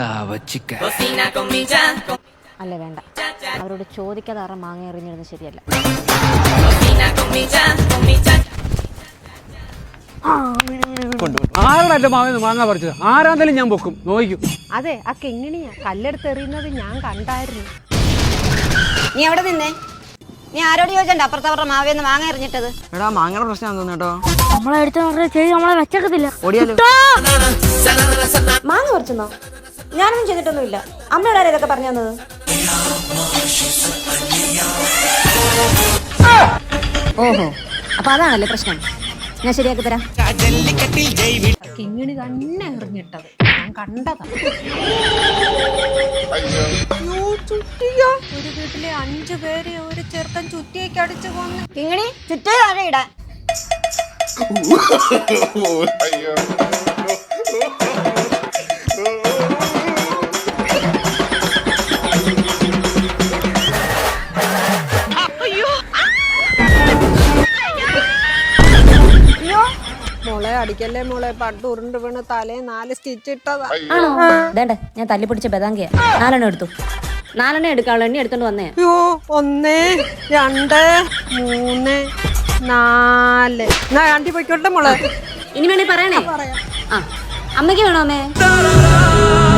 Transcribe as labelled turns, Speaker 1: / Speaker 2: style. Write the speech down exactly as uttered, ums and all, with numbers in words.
Speaker 1: അല്ല വേണ്ട, അവരോട് ചോദിക്കാതെ ആറ മാങ്ങ എറിഞ്ഞിരുന്നത് ശരിയല്ല.
Speaker 2: ആരുടെ മാങ്ങ മാങ്ങ പറിച്ചത്? ആരാന്തായാലും ഞാൻ പൊക്കും, നോക്കും.
Speaker 1: അതെ, ആ കെങ്ങിണിയാ കല്ലെടുത്ത് എറിയുന്നത് ഞാൻ കണ്ടായിരുന്നു.
Speaker 3: നീ എവിടെ നിന്നേ? നീ ആരോട് ചോദിച്ചണ്ട അപ്പുറത്ത് അവരുടെ മാവേന്ന് മാങ്ങ എറിഞ്ഞിട്ടത്?
Speaker 4: എടാ മാങ്ങയുടെ പ്രശ്നം തോന്നുന്നു കേട്ടോ.
Speaker 1: നമ്മളെ അടുത്ത് ചെയ്ത് നമ്മളെ വെച്ചേക്കത്തില്ല.
Speaker 4: ഓടിയാലോ?
Speaker 3: മാങ്ങ പറിച്ചെന്നോ? ഞാനൊന്നും ചെയ്തിട്ടൊന്നുമില്ല. അമ്മയോട് ആരാ ഇതൊക്കെ പറഞ്ഞു തന്നത്?
Speaker 1: ഓഹോ, അപ്പൊ അതാണല്ലേ പ്രശ്നം. ഞാൻ ശരിയാക്കി തരാം. കിങ്ങിണി തന്നെ എറിഞ്ഞിട്ടത് ഞാൻ കണ്ടതാ. ഒരു വീട്ടിലെ അഞ്ചു പേരെ ഒരു ചെറുക്കൻ ചുറ്റിയേക്ക് അടിച്ചു കൊന്നു.
Speaker 3: കിങ്ങിണി ചുറ്റേ താഴെ ഇടാൻ.
Speaker 5: മോളെ അടിക്കല്ലേ മോളെ, പണ്ട് ഉരുണ്ട് വീണ് തലേ നാല് സ്റ്റിച്ച് ഇട്ടതാ.
Speaker 1: ആണോ? വേണ്ട, ഞാൻ തല്ലി പിടിച്ച ബദാങ്കിയ. നാലെണ്ണം എടുത്തു. നാലെണ്ണം എടുക്കാനുള്ള എണ്ണി എടുത്തോണ്ട് വന്നേ.
Speaker 5: അയ്യോ, ഒന്ന് രണ്ട് മൂന്ന് നാല്. എന്നാ ആണ്ടി പൊയ്ക്കോട്ടെ മോളെ.
Speaker 1: ഇനി വേണേ പറയണേ. ആ, അമ്മയ്ക്ക് വേണോ അമ്മേ?